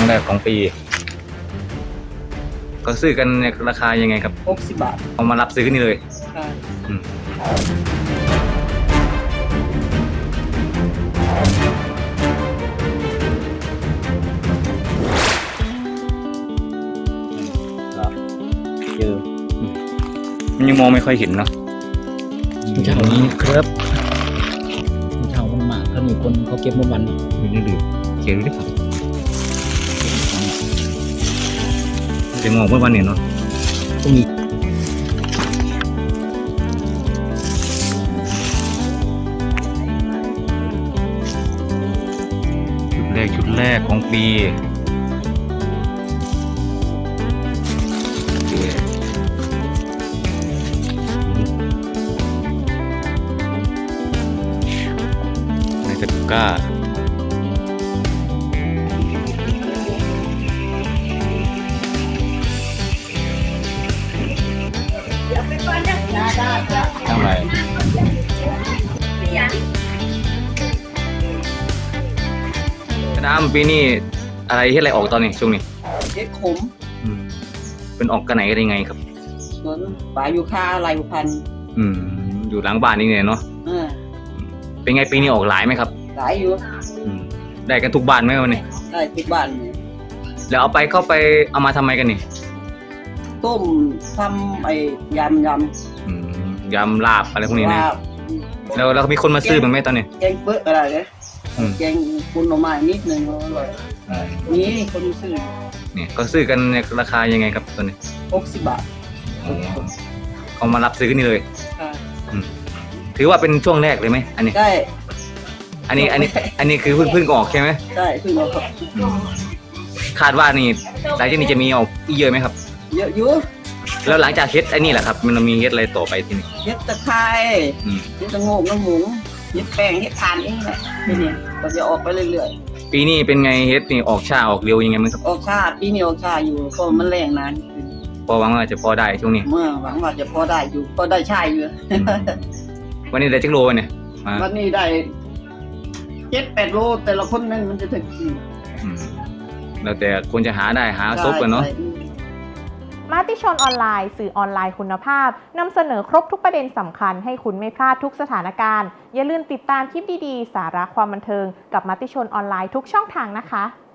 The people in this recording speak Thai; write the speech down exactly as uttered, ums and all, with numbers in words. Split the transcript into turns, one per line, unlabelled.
แรกของปีก็ซื้อกันในราคายังไงครับ
หกสิบบาท
เอามารับซื้อกันนี่เลย
ใช่
อืมเจอมันยังมองไม่ค่อยเห็นเนาะ
เช้านี้ครับเช้ามันมากถ้ามีคนเขาเก็บมาวัน
อยู่ในหลืบเขียนดูดิครับจะมองเมื่อวันเนี่ยเนาะ
ตรงนี้
ชุดแรกชุดแรกของปีในตะกร้าทำไรกระดามปีนี้อะไรที่อะไรออกตอนนี้ช่วงนี้
เฮ็ดขม
อืมเป็นออกกันไหนกันยังไงครับ
สวนป่ายูคาลายพันธุ์
อืมอยู่หลังบ้านนี่เนี่ยเนาะ
เออ
เป็นไงปีนี้ออกหลายไหมครับ
หลายอยู่
อืมได้กันทุกบ้านไหมวันนี้
ได้ทุกบ้านเนี่ย
แล้วเอาไปเข้าไปเอามาทำไมกันนี่
ต้มทำไอ้ยำย
ำอืมยำลาบอะไรพวกนี้นะแล้วแล้วมีคนมาซื้อมันไหมตอนนี้
แกงเปื้ออะไรเนี่ยแกงคุณออกมานิดนึงอร่อยนี่คนซื้อ
เนี่ยก็ซื้อกันในราคายังไงครับตอนนี้
หกสิบบาท
เขามารับซื้อกันนี่เลย
ใช่
ถือว่าเป็นช่วงแรกเลยไหมอันนี้
ใช่
อันนี้อันนี้อันนี้คือเพิ่งเพิ่งออกใช่ไหม
ใช่เพิ่งออกครับ
คาดว่านี่หลังจากนี้จะมีออกอีกเยอะไหมครับ
เยอะอยู่
แล้วหลังจากเฮ็ดไอ้นี่แหละครับมันมีเฮ็ดอะไรต่อไปทีนี้
เฮ็ดตะไคร้เฮ็ดตะโงกน้ำหมูเฮ็ดแป้งเฮ็ดทานเองแหละทีนี้ก็จะออกไปเรื่อย
ๆปีนี้เป็นไงเฮ็ดนี่ออกช้าออกเร็วยังไงมั้งครับ
ออกช้าปีนี้ออกช้าอยู่เพราะมันแรงนาน
พอหวังว่าจะพอได้ช่วงนี้
เมื่อหวังว่าจะพอได้อยู่พอได้ใช้อยู่
วันนี้ได้จักโลเนี่ย
วันนี้ได้เจ็ดแปดโลแต่ละคนนั่นมันจะถึง
แล้วแต่คนจะหาได้หาซบกันเนาะ
มติชนออนไลน์สื่อออนไลน์คุณภาพนำเสนอครบทุกประเด็นสำคัญให้คุณไม่พลาดทุกสถานการณ์อย่าลืมติดตามคลิปดีๆสาระความบันเทิงกับมติชนออนไลน์ทุกช่องทางนะคะ